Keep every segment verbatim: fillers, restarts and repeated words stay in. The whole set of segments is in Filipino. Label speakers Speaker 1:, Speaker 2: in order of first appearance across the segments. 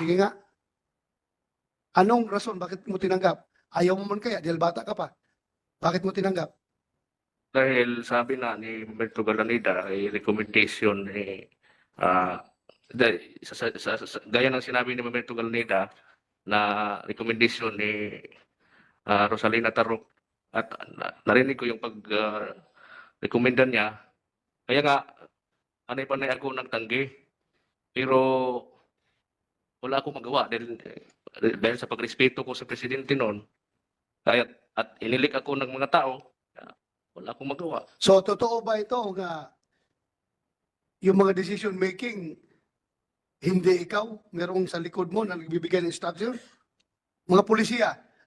Speaker 1: Sige nga. Anong rason? Bakit mo tinanggap? Ayaw mo man kaya dahil bata ka pa. Bakit mo tinanggap?
Speaker 2: Dahil sabi na ni Humberto Galanida, ay recommendation ni ah dahil sa, sa, sa, sa- gaya ng sinabi ni Humberto Galanida na recommendation ni ah, Rosalina Tarok at na- narinig ko yung pag ah, rekomenda niya. Kaya nga, anay pa na ako nagtanggi. Pero wala akong magawa dahil, dahil sa pagrespeto ko sa presidente noon. Kaya at inilik ako ng mga tao, ah, wala akong magawa.
Speaker 1: So, totoo ba ito nga yung mga decision making, hindi ikaw, merong sa likod mo na nagbibigay ng instruction? Mga pulisya,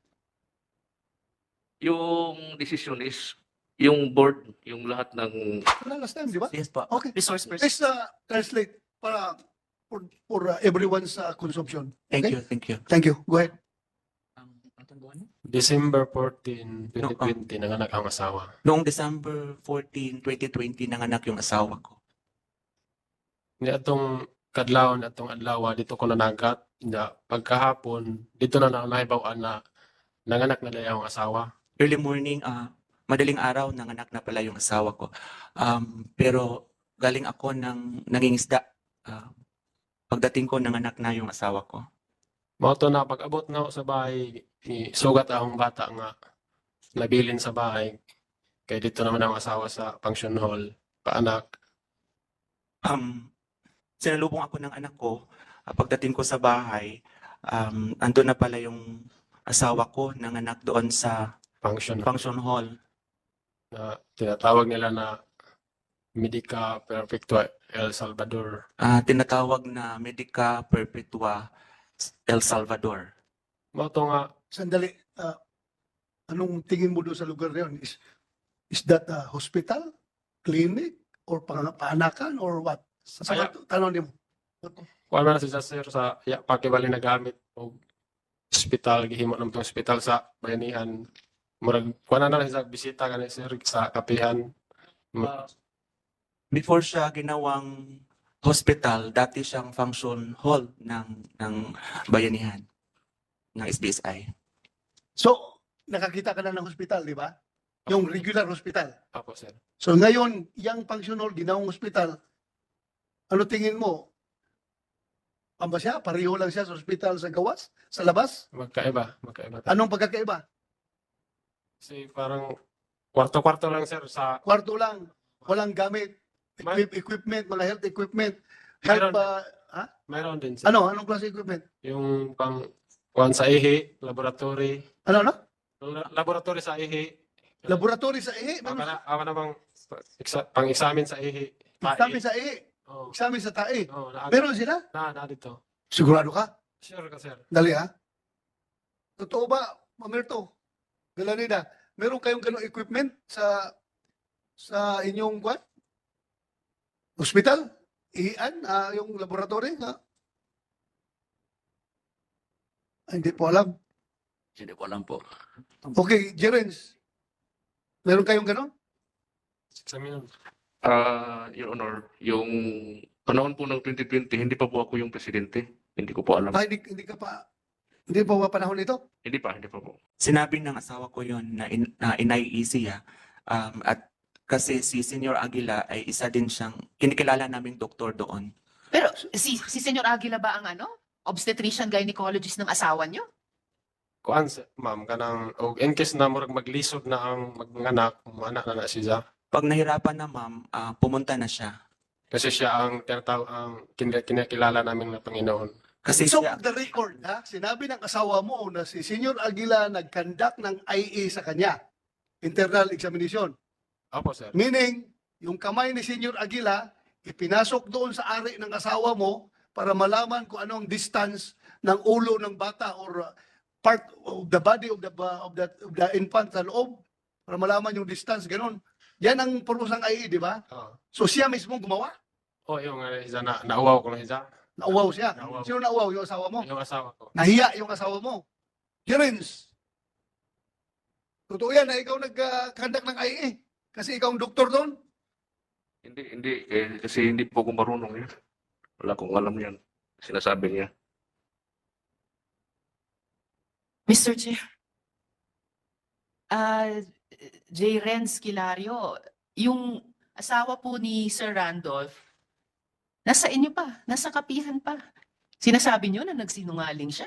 Speaker 2: Yung decision is yung board, yung lahat ng
Speaker 1: wala last time, di ba?
Speaker 3: Yes po.
Speaker 1: Okay.
Speaker 3: Resource person.
Speaker 1: Let's uh, translate para for, for uh, everyone's uh, consumption.
Speaker 3: Thank
Speaker 1: Okay?
Speaker 3: you, thank you.
Speaker 1: Thank you. Go ahead.
Speaker 3: Um, atong buwan?
Speaker 4: December fourteenth, twenty twenty, nanganak ang asawa.
Speaker 3: Noong December fourteenth, twenty twenty, nanganak yung asawa ko.
Speaker 4: Ni atong kadlaw na atong adlaw dito ko nanagat. Na pagkahapon dito na na nahibaw-an na nanganak na daya ang asawa.
Speaker 3: Early morning, ah, madaling araw, nanganak na pala yung asawa ko. Um, pero galing ako ng nangingisda. Ah, pagdating ko, nanganak na yung asawa ko.
Speaker 4: Mao to na pag-abot na ako sa bahay, ni sugat akong bata nga nabilin sa bahay. Kay dito naman ang asawa sa function hall, paanak.
Speaker 3: Um, sinalubong ako ng anak ko. Ah, pagdating ko sa bahay, um, andun na pala yung asawa ko, nanganak doon sa
Speaker 4: Function hall
Speaker 3: function hall.
Speaker 4: na tinatawag nila na Medica Perfectua El Salvador.
Speaker 3: Ah, tinatawag na Medica Perpetua El Salvador.
Speaker 4: Mao to nga
Speaker 1: Sandali. Uh, anong tingin mo doon sa lugar na yun? Is, is that a hospital, clinic, or pang paanakan, or what? Sa
Speaker 4: Kaya-
Speaker 1: mga tanong niyo.
Speaker 4: kuan man sa sir sa ya pakibali na gamit og ospital gihimo nam tong ospital sa bayanihan. Murag kuan na lang sa bisita kanhi sir sa kapihan.
Speaker 3: Ah, before siya ginawang hospital, dati siyang function hall ng ng bayanihan ng S B S I.
Speaker 1: So, nakakita ka na ng hospital, di ba? Yung regular hospital.
Speaker 4: Apo sir.
Speaker 1: So ngayon, yung function hall, ginawang hospital, ano tingin mo? Amba siya? Pareho lang siya sa hospital sa gawas? Sa labas?
Speaker 4: Magkaiba, magkaiba. ta.
Speaker 1: Anong pagkakaiba?
Speaker 4: Kasi parang kwarto-kwarto lang sir sa
Speaker 1: Kwarto lang, walang gamit,
Speaker 4: Ma-
Speaker 1: equip- equipment, mga health equipment, health,
Speaker 4: Meron.
Speaker 1: uh, ha?
Speaker 4: mayroon din sir.
Speaker 1: Ano? Anong klase equipment?
Speaker 4: Yung pang kuan sa ihi, laboratory,
Speaker 1: Ano, ano?
Speaker 4: La- laboratory sa ihi.
Speaker 1: Laboratory sa ihi?
Speaker 4: Awa
Speaker 1: Meron
Speaker 4: na, awa na bang exa- pang-examine sa ihi.
Speaker 1: examen sa ihi,
Speaker 4: Oh,
Speaker 1: examen sa tae.
Speaker 4: oh, na,
Speaker 1: Meron sila?
Speaker 4: na, na dito.
Speaker 1: Sigurado ka?
Speaker 4: Sure ka sir.
Speaker 1: Dali ha? Totoo ba, Mamerto? Galanida, meron kayong ganong equipment sa sa inyong kwan? Hospital? Ihian? Ah, yung laboratory? Ha? Ay, hindi po alam.
Speaker 2: Hindi ko alam po.
Speaker 1: Okay, Jerens. Meron kayong ganon?
Speaker 4: Examine.
Speaker 2: Ah, Your Honor, yung panahon po ng twenty twenty, hindi pa po ako yung presidente. Hindi ko po alam.
Speaker 1: Ah, hindi, hindi ka pa, hindi pa ba panahon ito?
Speaker 2: Hindi pa, hindi pa po.
Speaker 3: Sinabi ng asawa ko yon na, in, na inay-easy ah. Um, at kasi si Senior Aguila ay isa din siyang kinikilala naming doktor doon.
Speaker 5: Pero si si Senyor Aguila ba ang ano? Obstetrician gynecologist ng asawa niyo?
Speaker 4: Kuan sir, ma'am kanang og in case na murag maglisod na ang magnganak, anak na na siya.
Speaker 3: Pag nahirapan na ma'am, ah, pumunta na siya.
Speaker 4: Kasi siya ang tinatawag ang kin- kinakilala namin na Panginoon.
Speaker 3: Kasi
Speaker 1: So,
Speaker 3: siya,
Speaker 1: the record, ha? Sinabi ng asawa mo na si Senyor Aguila nag-conduct ng I A sa kanya. Internal examination.
Speaker 4: Opo sir.
Speaker 1: Meaning, yung kamay ni Senyor Aguila, ipinasok doon sa ari ng asawa mo para malaman kung anong distance ng ulo ng bata or uh, part of the body of the of the, of the infant sa loob para malaman yung distance, ganun. Yan ang purusang I A, di ba?
Speaker 4: Oh,
Speaker 1: So siya mismo gumawa.
Speaker 4: oh yung uh, isa na nauwaw ko na siya.
Speaker 1: Nauwaw siya.
Speaker 4: Nauwaw.
Speaker 1: Sino nauwaw? Yung asawa mo?
Speaker 4: Yung asawa ko.
Speaker 1: Nahiya yung asawa mo. Jerens, totoo yan na ikaw nag-conduct ng I A. Kasi ikaw ang doktor doon.
Speaker 2: Hindi, hindi. Eh, kasi hindi po ako marunong yan. Wala akong alam yan. Sinasabi niya.
Speaker 5: Mister Chair. Ah, J. Renz Kilario, yung asawa po ni Sir Randolph, nasa inyo pa, nasa kapihan pa. Sinasabi niyo na nagsinungaling siya.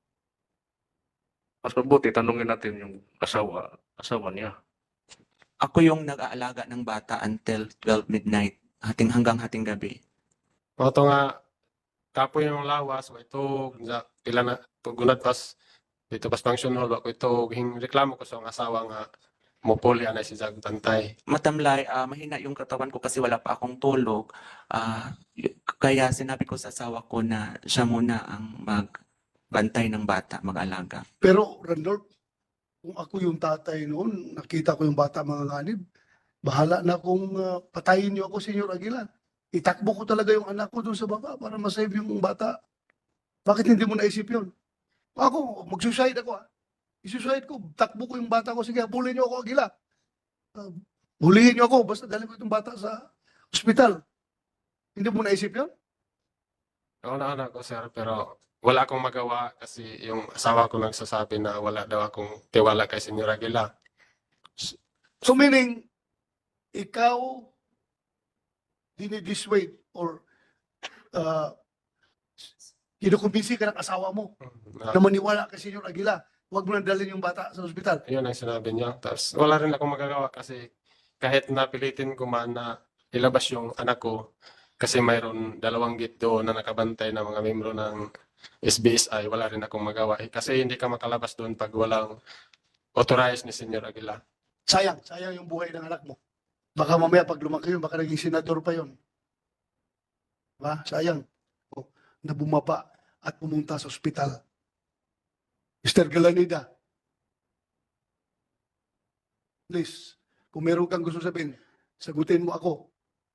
Speaker 2: Mas mabuti, tanungin natin yung asawa, asawa niya.
Speaker 3: Ako yung nag-aalaga ng bata until twelve midnight, hating hanggang hating gabi.
Speaker 4: Mo to nga kapoy yung lawas, wa ito nga pila na tugunat pas dito pas function hall wa ko ito hing reklamo ko sa akong asawa nga mopuli anay si Jag bantay.
Speaker 3: Matamlay, ah, mahina yung katawan ko kasi wala pa akong tulog. Ah, y- kaya sinabi ko sa asawa ko na siya muna ang magbantay ng bata, mag-alaga.
Speaker 1: Pero, Randolph, kung ako yung tatay noon, nakita ko yung bata mga ganib, bahala na kung uh, patayin niyo ako, Senyor Aguilar. Itakbo ko talaga yung anak ko doon sa baba para masave yung bata. Bakit hindi mo naisip yun? Ako, mag-suicide ako. ah. I-suicide ko, takbo ko yung bata ko. Sige, bulin niyo ako, Aguilar. Uh, bulihin niyo ako, basta dalhin ko itong bata sa ospital. Hindi mo naisip yun?
Speaker 4: Ako na anak ko sir pero wala akong magawa kasi yung asawa ko nagsasabi na wala daw akong tiwala kay Senyor Aguila.
Speaker 1: So meaning, ikaw dinidissuade or uh, kinukumbinsi ka ng asawa mo
Speaker 4: Na,
Speaker 1: na maniwala kay Senyor Aguila. Huwag mo nang dalhin yung bata sa ospital.
Speaker 4: yun ang sinabi niya. Tapos wala rin akong magagawa kasi kahit napilitin ko man na ilabas yung anak ko kasi mayroon dalawang gate doon na nakabantay na mga membro ng S B S I, wala rin akong magawa. Eh, kasi hindi ka makalabas doon pag walang authorized ni Senyor Aguila.
Speaker 1: Sayang, sayang yung buhay ng anak mo. Baka mamaya pag lumaki yun, baka naging senador pa yun. Diba? Sayang. O, na bumaba at pumunta sa ospital. Mister Galanida, please, kung meron kang gusto sabihin, sagutin mo ako.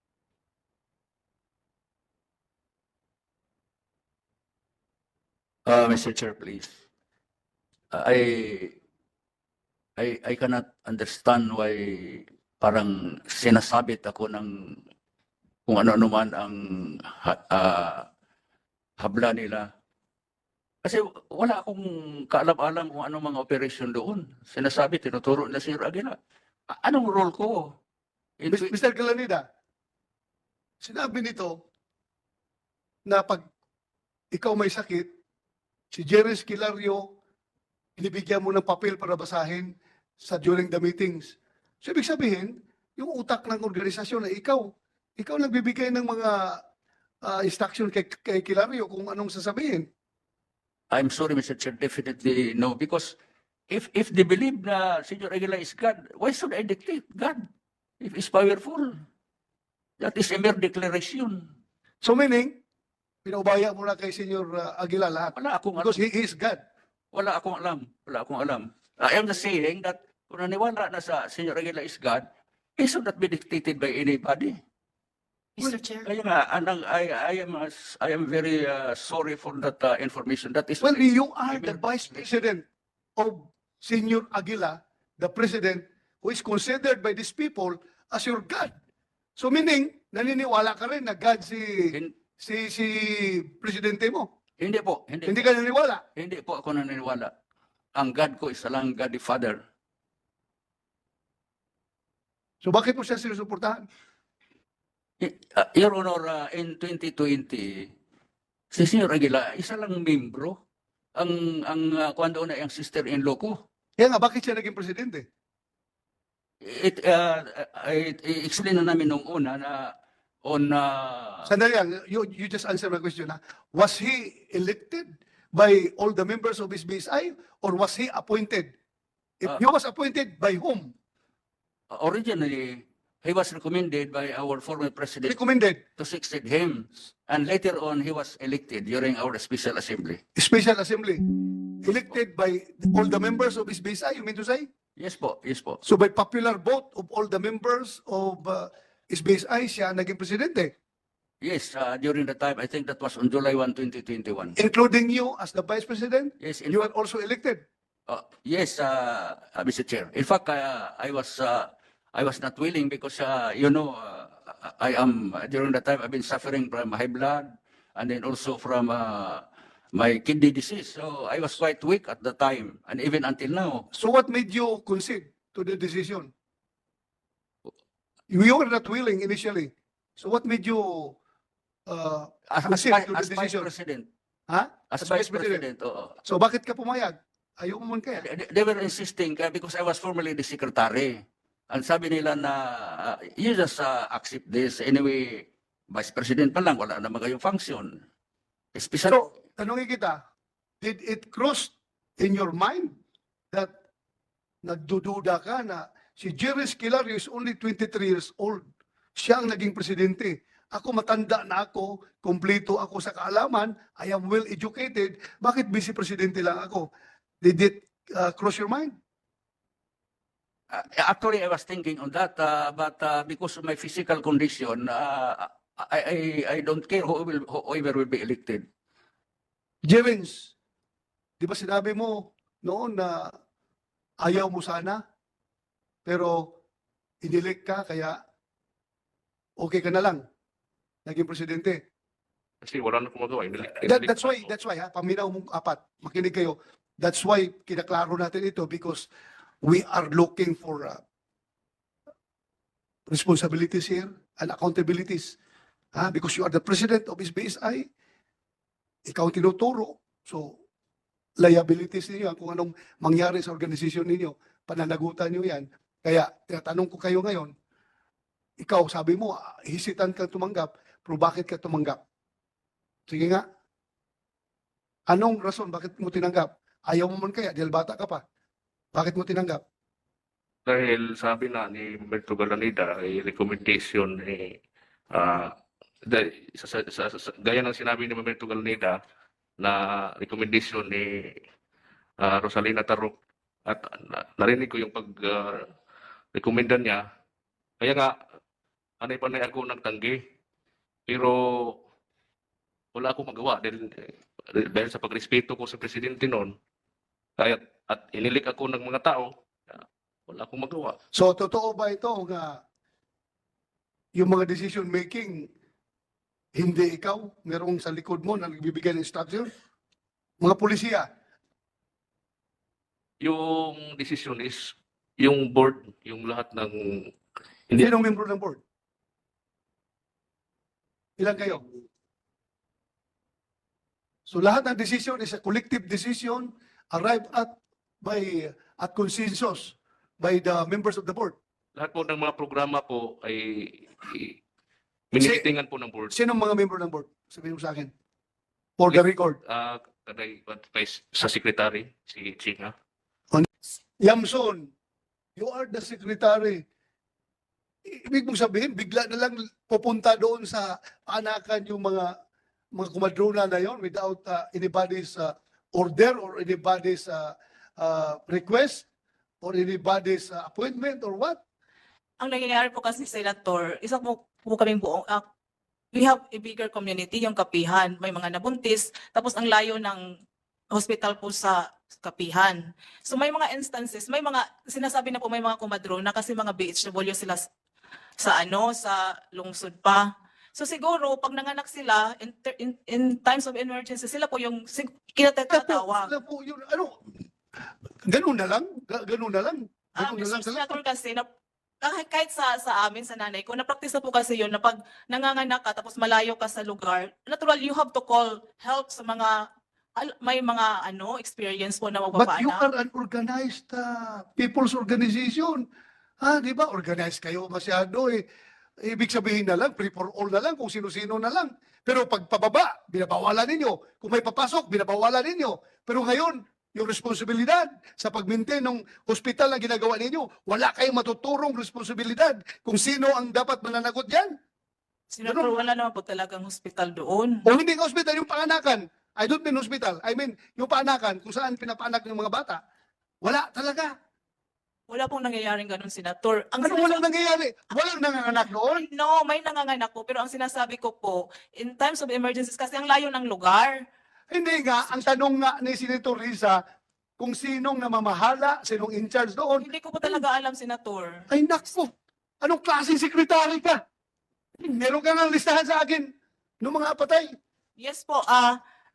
Speaker 6: Uh, Mister Chair, please. Uh, I, I, I cannot understand why parang sinasabit ako ng kung ano-ano man ang ha- ah, habla nila. Kasi wala akong kaalam-alam kung anong mga operasyon doon. Sinasabi, tinuturo na si Aguila. A- Anong role ko? In-
Speaker 1: Mis- Mister Galanida, sinabi nito na pag ikaw may sakit, si Jerry Esquilario, inibigyan mo ng papel para basahin sa during the meetings. So, ibig sabihin, yung utak ng organisasyon na ikaw, ikaw nagbibigay ng mga ah, instruction kay, kay Kilario kung anong sasabihin.
Speaker 6: I'm sorry, Mister Chair, definitely no. Because if if they believe na Senyor Aguila is God, why should I dictate God? If he's powerful, that is a mere declaration.
Speaker 1: So, meaning, pinaubaya mo na kay Senyor ah, Aguila lahat.
Speaker 6: Wala akong alam.
Speaker 1: Because he is God.
Speaker 6: Wala akong alam. Wala akong alam. I am just saying that kung naniwala na sa Senyor Aguila is God, he should not be dictated by anybody.
Speaker 5: Mister Chair.
Speaker 6: Kaya nga, anang, I, I am uh, I am very uh, sorry for that uh, information. That is
Speaker 1: Well, you are the
Speaker 6: Amen.
Speaker 1: Vice President of Senyor Aguila, the President who is considered by these people as your God. So meaning, naniniwala ka rin na God si
Speaker 6: Hin-
Speaker 1: si si presidente mo.
Speaker 6: hindi po, hindi,
Speaker 1: Hindi
Speaker 6: po,
Speaker 1: ka naniniwala.
Speaker 6: hindi po ako naniniwala. Ang God ko is lang God the Father.
Speaker 1: So bakit mo siya sinusuportahan?
Speaker 6: I- uh, Your Honor, uh, in twenty twenty, si Senyor Aguila, isa lang membro. Ang ang uh, kuwan doon ay ang sister-in-law ko.
Speaker 1: Kaya nga, bakit siya naging presidente?
Speaker 6: It, uh, I, i-explain na namin nung una na on uh,
Speaker 1: Sandali lang, you, you just answer my question. Ha? Was he elected by all the members of his B S I or was he appointed? If
Speaker 6: Uh,
Speaker 1: he was appointed, by whom?
Speaker 6: originally, he was recommended by our former president
Speaker 1: Recommended.
Speaker 6: to succeed him. And later on, he was elected during our special assembly.
Speaker 1: Special Assembly. Elected by all the members of his B S I, you mean to say?
Speaker 6: Yes po, yes po.
Speaker 1: So by popular vote of all the members of uh, his B S I, siya naging presidente.
Speaker 6: Yes, uh, during the time, I think that was on July first, twenty twenty-one.
Speaker 1: Including you as the vice president,
Speaker 6: Yes, in,
Speaker 1: you are also elected.
Speaker 6: uh, yes, uh, uh, Mister Chair. In fact, uh, I was uh, I was not willing because uh, you know uh, I am during the time I've been suffering from high blood and then also from uh, my kidney disease. So I was quite weak at the time, and even until now.
Speaker 1: So what made you concede to the decision? You were not willing initially. So what made you uh,
Speaker 6: As, as,
Speaker 1: Concede
Speaker 6: vi-
Speaker 1: to the
Speaker 6: as vice
Speaker 1: decision.
Speaker 6: president.
Speaker 1: Ha?
Speaker 6: As,
Speaker 1: As
Speaker 6: vice
Speaker 1: vice president.
Speaker 6: president, oo.
Speaker 1: so bakit ka pumayag? Ayaw mo man kaya.
Speaker 6: They, they were insisting uh, because I was formerly the secretary. And sabi nila na, uh, you just uh, accept this. Anyway, vice president pa lang, wala naman kayong function. Especially,
Speaker 1: So, tanongin kita, did it cross in your mind that nagdududa ka na si Jerry Esquilario is only twenty-three years old. Siya ang naging presidente. Ako matanda na ako, kompleto ako sa kaalaman, I am well educated. Bakit vice presidente lang ako? Did it uh, cross your mind?
Speaker 6: uh, actually, I was thinking on that, uh, but uh, because of my physical condition, uh, I, I, I don't care who will, whoever will be elected.
Speaker 1: Jevons, di ba sinabi mo noon na ayaw mo sana, pero inilik ka, kaya okay ka na lang, naging presidente.
Speaker 2: Kasi wala na akong magawa. Inilik-
Speaker 1: That,
Speaker 2: inilik
Speaker 1: that's
Speaker 2: na
Speaker 1: why,
Speaker 2: ako.
Speaker 1: that's why, ha, paminaw mong apat, makinig kayo. That's why kinaklaro natin ito because we are looking for uh, responsibilities here and accountabilities. Ha? Because you are the president of S B S I, ikaw ang tinuturo. So, liabilities ninyo, yan, kung anong mangyari sa organisasyon ninyo, pananagutan nyo yan. Kaya, tinatanong ko kayo ngayon, ikaw, sabi mo, ah, hisitan ka tumanggap, pero bakit ka tumanggap? Sige nga. Anong rason bakit mo tinanggap? Ayaw mo man kaya, dahil bata ka pa. Bakit mo tinanggap?
Speaker 2: Dahil sabi na ni Humberto Galanida, ay recommendation ni ah dahil sa, sa, sa, sa- gaya ng sinabi ni Humberto Galanida na recommendation ni ah, Rosalina Tarok at na, narinig ko yung pag ah, rekomenda niya. Kaya nga, anay pa na ako nagtanggi. Pero wala akong magawa dahil, dahil sa pagrespeto ko sa presidente noon. Kaya at inilik ako ng mga tao, ah, wala akong magawa.
Speaker 1: So, totoo ba ito nga yung mga decision making, hindi ikaw, merong sa likod mo na nagbibigay ng instruction? Mga pulisya,
Speaker 2: Yung decision is yung board, yung lahat ng hindi
Speaker 1: sinong membro ng board? Ilan kayo? So lahat ng decision is a collective decision arrived at by at consensus by the members of the board.
Speaker 2: lahat po ng mga programa po ay i- minitingan po ng board.
Speaker 1: Sinong mga member ng board? Sabihin mo sa akin. For the record.
Speaker 2: Ah, kaday advice sa secretary si Chinga.
Speaker 1: Yamson, you are the secretary. Ibig mong sabihin, bigla na lang pupunta doon sa anakan yung mga mga kumadrona na yon without uh, anybody's uh, order or anybody's uh, uh, request or anybody's uh, appointment or what?
Speaker 7: Ang nangyayari po kasi, Senator, isa po, po kaming buong, ah, we have a bigger community, yung Kapihan. May mga nabuntis, tapos ang layo ng hospital po sa Kapihan. So may mga instances, may mga, sinasabi na po may mga kumadrona kasi mga B H W sila s- sa ano, sa lungsod pa. So siguro, pag nanganak sila, in, ter- in, in times of emergency, sila po yung sig-
Speaker 1: Kaya po,
Speaker 7: kinatatawag.
Speaker 1: sila po yun, ano, ganun na lang, ga- ganun na lang.
Speaker 7: Ah,
Speaker 1: Ganun na lang
Speaker 7: Mister
Speaker 1: talaga.
Speaker 7: Senator kasi, na, kahit, kahit sa, sa amin, sa nanay ko, na-practice na po kasi yun, na pag nanganganak ka, tapos malayo ka sa lugar, natural, you have to call help sa mga, al- may mga ano experience po na
Speaker 1: But you
Speaker 7: magpapaanak.
Speaker 1: are an organized uh, people's organization. Ha, di ba? Organized kayo masyado eh. Ibig sabihin na lang, free for all na lang, kung sino-sino na lang. Pero pag pababa, binabawalan ninyo. Kung may papasok, binabawalan ninyo. Pero ngayon, yung responsibilidad sa pag-maintain ng hospital na ginagawa ninyo, wala kayong matuturong responsibilidad kung sino ang dapat mananagot yan.
Speaker 7: Senator, wala naman po talagang hospital doon.
Speaker 1: O hindi ka hospital, yung panganakan. I don't mean hospital. I mean, yung paanakan, kung saan pinapaanak ng mga bata. Wala talaga.
Speaker 7: Wala pong nangyayaring ganun, Senator. Ang
Speaker 1: Ano walang nangyayari? Walang nanganganak doon?
Speaker 7: No, may nanganganak po. Pero ang sinasabi ko po, in times of emergencies, kasi ang layo ng lugar.
Speaker 1: Hindi nga, ang tanong nga ni Senator Risa, kung sinong namamahala, sinong in charge doon.
Speaker 7: Hindi ko po talaga alam, Senator.
Speaker 1: Ay nako, anong klaseng sekretary ka? Meron ka nga listahan sa akin ng mga patay.
Speaker 7: Yes po, ah,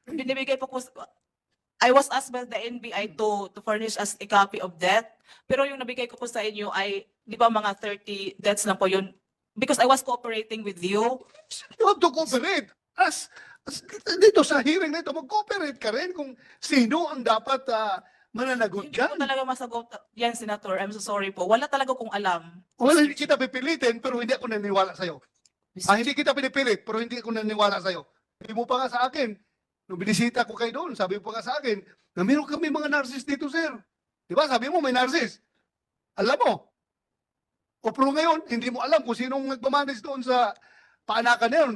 Speaker 7: binibigay po ko, I was asked by the N B I to to furnish us a copy of that. Pero yung nabigay ko po sa inyo ay, di ba mga thirty deaths lang po yun? Because I was cooperating with you.
Speaker 1: You have to cooperate. As, as dito sa hearing na ito, mag-cooperate ka rin kung sino ang dapat ah, mananagot
Speaker 7: Hindi ko
Speaker 1: dyan.
Speaker 7: talaga masagot yan, Senator. I'm so sorry po. Wala talaga kong alam.
Speaker 1: Wala, hindi kita pipilitin, pero hindi ako naniniwala sa'yo. Ah, hindi kita pinipilit, pero hindi ako naniniwala sa'yo. Sabi mo pa nga sa akin, nung binisita ko kayo doon, sabi mo pa nga sa akin, na meron kami mga narcissist dito, sir. Di ba? Sabi mo, may narcissist. Alam mo. O pero ngayon, hindi mo alam kung sinong nagmamanage doon sa paanakan na yun.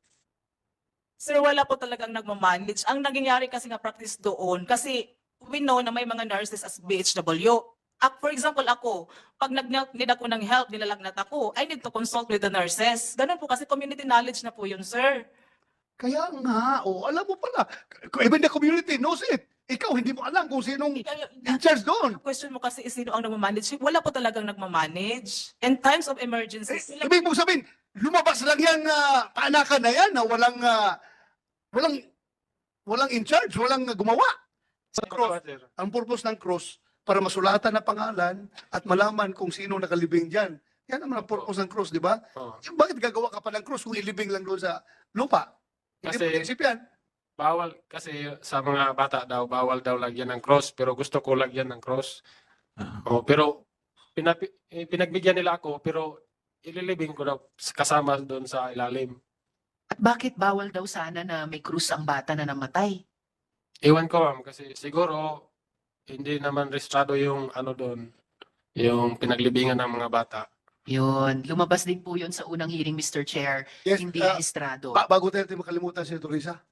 Speaker 7: Sir, wala po talagang nagmamanage. Ang nangyayari kasi nga practice doon, kasi we know na may mga nurses as B H W. Ak- For example, ako, pag nag-need ako ng help, nilalagnat ako, I need to consult with the nurses. Ganun po kasi community knowledge na po yun, sir.
Speaker 1: Kaya nga, o alam mo pala, even the community knows it. Ikaw, hindi mo alam kung sinong in charge doon.
Speaker 7: Question mo kasi is sino ang nagmamanage. Wala po talagang nagmamanage. In times of emergencies,
Speaker 1: Eh, ibig mo sabihin, lumabas lang yan na paanakan na yan na walang, ah, walang, walang in charge, walang ah, gumawa. Sa cross,
Speaker 4: Sir.
Speaker 1: ang purpose ng cross, para masulatan na pangalan at malaman kung sino nakalibing dyan. Yan naman ang purpose ng cross, di ba?
Speaker 4: Oo.
Speaker 1: Eh, Bakit gagawa ka pa ng cross kung ilibing lang doon sa lupa? Hindi
Speaker 4: Kasi-
Speaker 1: mo naisip yan.
Speaker 4: Bawal kasi sa mga bata daw, bawal daw lagyan ng cross, pero gusto ko lagyan ng cross.
Speaker 3: Ah.
Speaker 4: Oh, pero pinapi, eh, pinagbigyan nila ako, pero ililibing ko daw kasama doon sa ilalim.
Speaker 5: At bakit bawal daw sana na may krus ang bata na namatay?
Speaker 4: Iwan ko, ma'am, kasi siguro hindi naman registrado yung ano doon, yung pinaglibingan ng mga bata.
Speaker 5: Yun, lumabas din po yun sa unang hearing, Mister Chair,
Speaker 1: Yes,
Speaker 5: hindi
Speaker 1: ah,
Speaker 5: rehistrado.
Speaker 1: ba- bago tayo natin makalimutan si Teresa,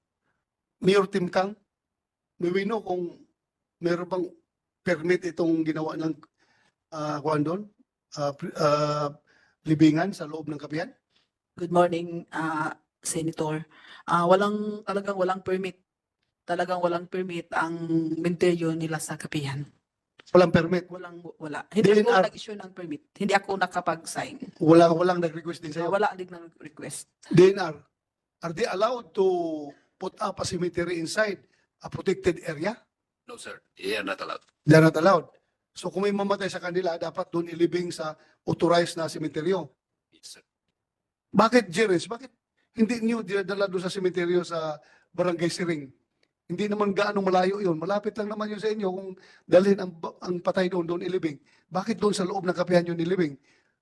Speaker 1: Mayor Tim Kang, may we know kung meron bang permit itong ginawa ng uh, kuwan doon, Ah, pri- ah, libingan sa loob ng kapihan?
Speaker 8: Good morning, ah, Senator. Ah, walang talagang walang permit. Talagang walang permit ang menteryo nila sa kapihan.
Speaker 1: Walang permit.
Speaker 8: Walang wala. Hindi
Speaker 1: D N R.
Speaker 8: ako nag-issue ng permit. Hindi ako nakapag-sign.
Speaker 1: Walang, walang nag-request din
Speaker 8: Ah,
Speaker 1: sa'yo.
Speaker 8: wala din ng request.
Speaker 1: D N R, are they allowed to put up a cemetery inside a protected area?
Speaker 6: No, sir. Yeah, not allowed.
Speaker 1: They're not allowed. So kung may mamatay sa kanila, dapat doon ilibing sa authorized na sementeryo.
Speaker 6: Yes, sir.
Speaker 1: Bakit, Jerez? Bakit hindi niyo dinadala doon sa sementeryo sa Barangay Siring? Hindi naman gaano malayo yun. Malapit lang naman yun sa inyo kung dalhin ang, ang patay doon, doon ilibing. Bakit doon sa loob ng kapihan yun ilibing?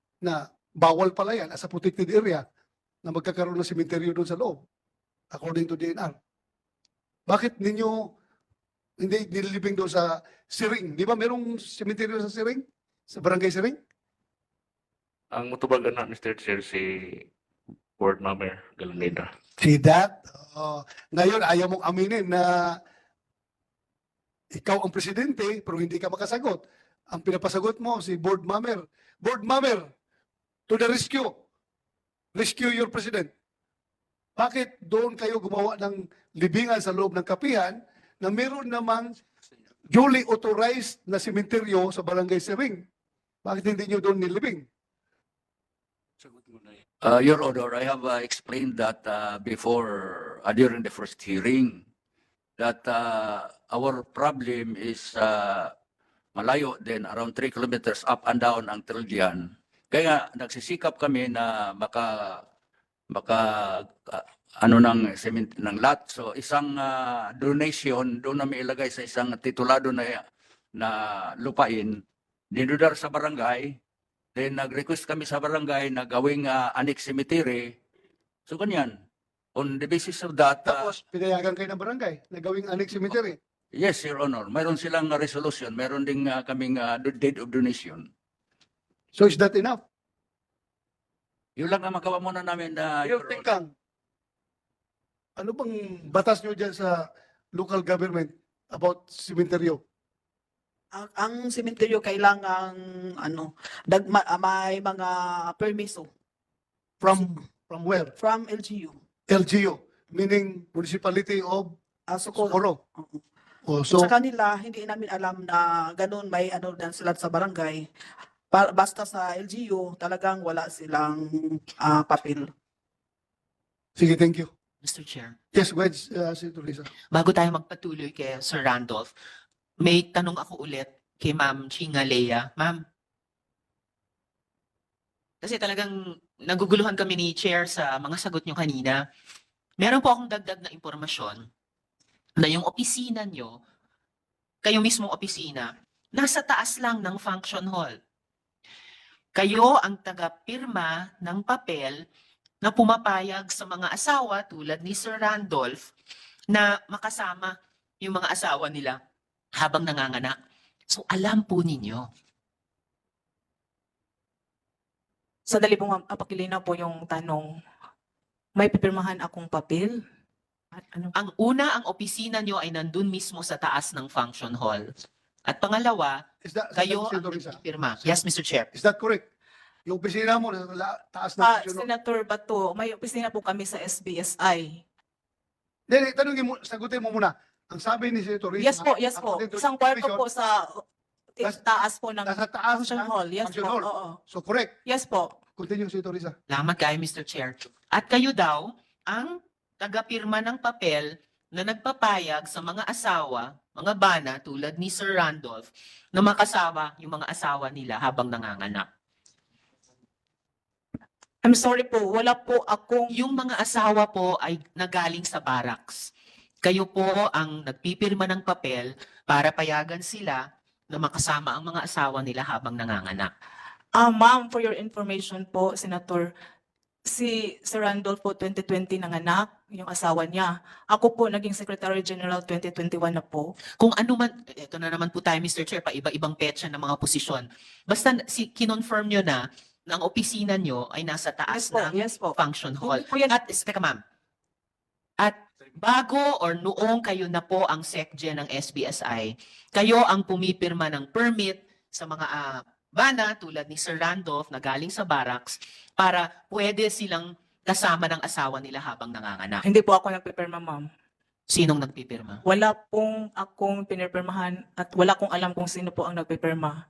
Speaker 1: Na bawal pala yan as a protected area na magkakaroon ng sementeryo doon sa loob according to D N R. Bakit ninyo hindi nililibing doon sa Siring? Di ba merong sementeryo sa Siring? Sa Barangay Siring?
Speaker 2: Ang mutubagan na, Mister Chair, si Board Member Galanida.
Speaker 1: See that? Uh, ngayon, ayaw mong aminin na ikaw ang presidente pero hindi ka makasagot. Ang pinapasagot mo si Board Member. Board Member, to the rescue. Rescue your president. Bakit doon kayo gumawa ng libingan sa loob ng kapihan na meron namang duly authorized na sementeryo sa Barangay Siring? Bakit hindi nyo doon nilibing?
Speaker 6: Uh, Your Honor, I have uh, explained that uh, before, uh, during the first hearing, that uh, our problem is uh, malayo din, around three kilometers up and down ang trail diyan. Kaya nagsisikap kami na maka, maka uh, ano ng cement ng lot. So isang uh, donation doon na may ilagay sa isang titulado na na lupain, dinudar sa barangay. Then nag-request kami sa barangay na gawing uh, annex cemetery. So ganyan. On the basis of that, uh,
Speaker 1: Tapos, pinayagan kayo ng barangay na gawing annex cemetery.
Speaker 6: yes, Your Honor, mayroon silang uh, resolution, mayroon ding uh, kaming uh, deed of donation.
Speaker 1: So is that enough?
Speaker 6: Yun lang ang magawa muna namin na
Speaker 1: Mayor Tingkang, ano bang batas nyo dyan sa local government about cementerio?
Speaker 8: Ang, ang sementeryo kailangang ano, dag, ma- ah, may mga permiso
Speaker 1: From from where?
Speaker 8: from L G U.
Speaker 1: L G U, meaning Municipality of
Speaker 8: Ah, so, kung-
Speaker 1: Socorro.
Speaker 8: Oo.
Speaker 1: Oh, so,
Speaker 8: sa kanila, hindi namin alam na ganun may ano dan sila sa barangay. Pa- basta sa L G U, talagang wala silang ah, papel.
Speaker 1: sige, thank you.
Speaker 5: Mister Chair,
Speaker 1: Yes, go ahead, uh, Senator Risa.
Speaker 5: bago tayo magpatuloy kay Sir Randolph, may tanong ako ulit kay Ma'am Chingalea. Ma'am, kasi talagang naguguluhan kami ni Chair sa mga sagot nyo kanina. Meron po akong dagdag na impormasyon na yung opisina nyo, kayo mismong opisina, nasa taas lang ng function hall. Kayo ang taga-pirma ng papel na pumapayag sa mga asawa tulad ni Sir Randolph na makasama yung mga asawa nila habang nanganganak. So alam po ninyo.
Speaker 7: Sandali po ma'am, apakilinaw po yung tanong. May pipirmahan akong papel? At ano?
Speaker 5: Ang una, ang opisina nyo ay nandun mismo sa taas ng function hall. At pangalawa,
Speaker 1: Is that,
Speaker 5: kayo ang
Speaker 1: Senator Risa,
Speaker 5: nagpipirma. Yes, Mister Chair.
Speaker 1: is that correct? Yung opisina mo nasa la- taas ng
Speaker 7: Ah,
Speaker 1: function hall?
Speaker 7: Senator Bato, may opisina po kami sa S B S I.
Speaker 1: Hindi, tanongin mo, sagutin mo muna. Ang sabi ni Senator Risa,
Speaker 7: Yes po, yes po.
Speaker 1: according to
Speaker 7: Isang
Speaker 1: the
Speaker 7: kwarto
Speaker 1: information,
Speaker 7: po sa
Speaker 1: Tas-
Speaker 7: taas po ng
Speaker 1: nasa taas
Speaker 7: function
Speaker 1: ng
Speaker 7: hall. Yes
Speaker 1: function
Speaker 7: po,
Speaker 1: hall.
Speaker 7: oo.
Speaker 1: So correct.
Speaker 7: Yes po.
Speaker 1: Continue, Senator Risa.
Speaker 5: Salamat kayo, Mister Chair. At kayo daw ang tagapirma ng papel na nagpapayag sa mga asawa, mga bana tulad ni Sir Randolph na makasama yung mga asawa nila habang nanganganak.
Speaker 7: I'm sorry po, wala po akong
Speaker 5: Yung mga asawa po ay nagaling sa barracks. Kayo po ang nagpipirma ng papel para payagan sila na makasama ang mga asawa nila habang nanganganak.
Speaker 7: Ah, ma'am, for your information po, Senator, si Sir Randolph po twenty twenty nanganak, yung asawa niya. Ako po naging Secretary General twenty twenty-one na po.
Speaker 5: Kung ano man, ito na naman po tayo, Mister Chair, pa iba-ibang petsa ng mga posisyon. Basta si, kinonfirm nyo na na ang opisina nyo ay nasa
Speaker 7: Yes
Speaker 5: taas
Speaker 7: po,
Speaker 5: ng
Speaker 7: yes po.
Speaker 5: function hall.
Speaker 7: Hindi po yan-
Speaker 5: At, teka ma'am, at bago or noong kayo na po ang SecGen ng S B S I, kayo ang pumipirma ng permit sa mga ah, bana tulad ni Sir Randolph na galing sa barracks para pwede silang kasama ng asawa nila habang nanganganak.
Speaker 7: Hindi po ako nagpipirma, ma'am.
Speaker 5: Sinong nagpipirma?
Speaker 7: Wala pong akong pinipirmahan at wala kong alam kung sino po ang nagpipirma.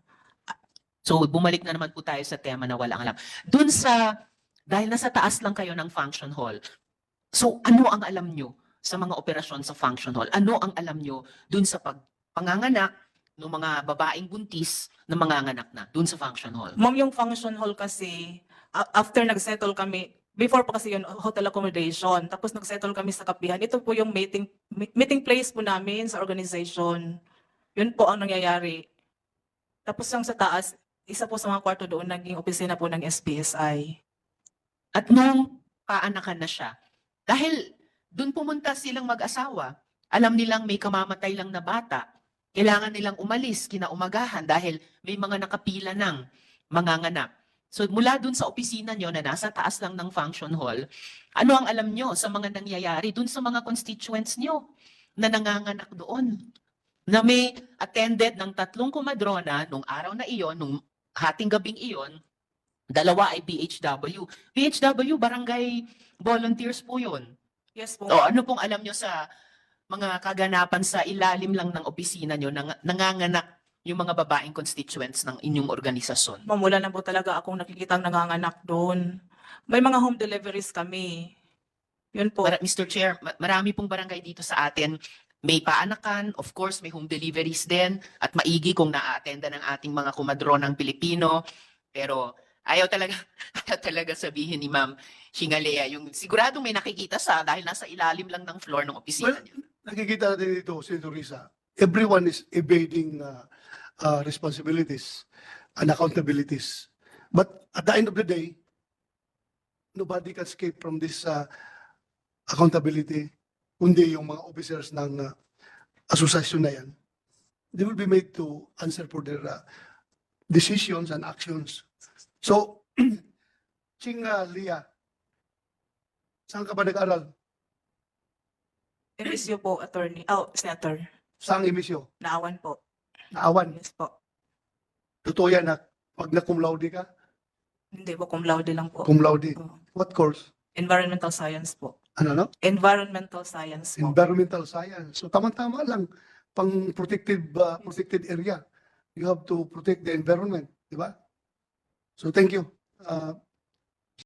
Speaker 5: So bumalik na naman po tayo sa tema na walang alam. Doon sa, dahil nasa taas lang kayo ng function hall, so ano ang alam nyo sa mga operasyon sa function hall? Ano ang alam nyo doon sa pagpanganganak ng mga babaeng buntis na manganganak na doon sa function hall?
Speaker 7: Ma'am, yung function hall kasi, a- after nag-settle kami, before pa kasi yun, hotel accommodation, tapos nag-settle kami sa kapihan. Ito po yung meeting, mi- meeting place po namin sa organization. Yun po ang nangyayari. Tapos yung sa taas, isa po sa mga kwarto doon, naging opisina po ng S B S I.
Speaker 5: At nung paanakan na siya, dahil doon pumunta silang mag-asawa, alam nilang may kamamatay lang na bata, kailangan nilang umalis kinaumagahan dahil may mga nakapila ng manganganak. So mula doon sa opisina nyo na nasa taas lang ng function hall, ano ang alam nyo sa mga nangyayari doon sa mga constituents nyo na nanganganak doon? Na may attended ng tatlong kumadrona nung araw na iyon, nung hating gabing iyon, dalawa ay B H W. B H W, barangay volunteers po yun.
Speaker 7: Yes po.
Speaker 5: O ano pong alam nyo sa mga kaganapan sa ilalim lang ng opisina nyo, nang, nanganganak yung mga babaeng constituents ng inyong organisasyon?
Speaker 7: Ma'am, wala na po talaga akong nakikitang nanganganak doon. May mga home deliveries kami. Yun po.
Speaker 5: Mara- Mister Chair, ma- marami pong barangay dito sa atin. May paanakan, of course, may home deliveries din, at maigi kung na-attenda ng ating mga kumadronang Pilipino. Pero ayaw talaga, ayaw talaga sabihin ni Ma'am Shingalea, yung siguradong may nakikita sa dahil nasa ilalim lang ng floor ng opisina
Speaker 1: Well,
Speaker 5: niya.
Speaker 1: nakikita natin dito, Senator Risa, everyone is evading uh, uh, responsibilities and accountabilities. But at the end of the day, nobody can escape from this uh, accountability, kundi yung mga officers ng uh, asosasyon na yan. They will be made to answer for their uh, decisions and actions. So, Ching uh, Lia, saan ka ba nag-aral?
Speaker 7: M S U po, attorney. Oh, senator.
Speaker 1: Saan emisyo?
Speaker 7: Naawan po.
Speaker 1: Naawan.
Speaker 7: Yes po.
Speaker 1: Totoo yan na pag na cum laude ka,
Speaker 7: Hindi po, cum laude lang po.
Speaker 1: cum laude.
Speaker 7: Oh.
Speaker 1: What course?
Speaker 7: Environmental science po.
Speaker 1: Ano no?
Speaker 7: Environmental science po.
Speaker 1: Environmental science. So tama-tama lang pang protected uh, protected area. You have to protect the environment, di ba? So thank you. Uh,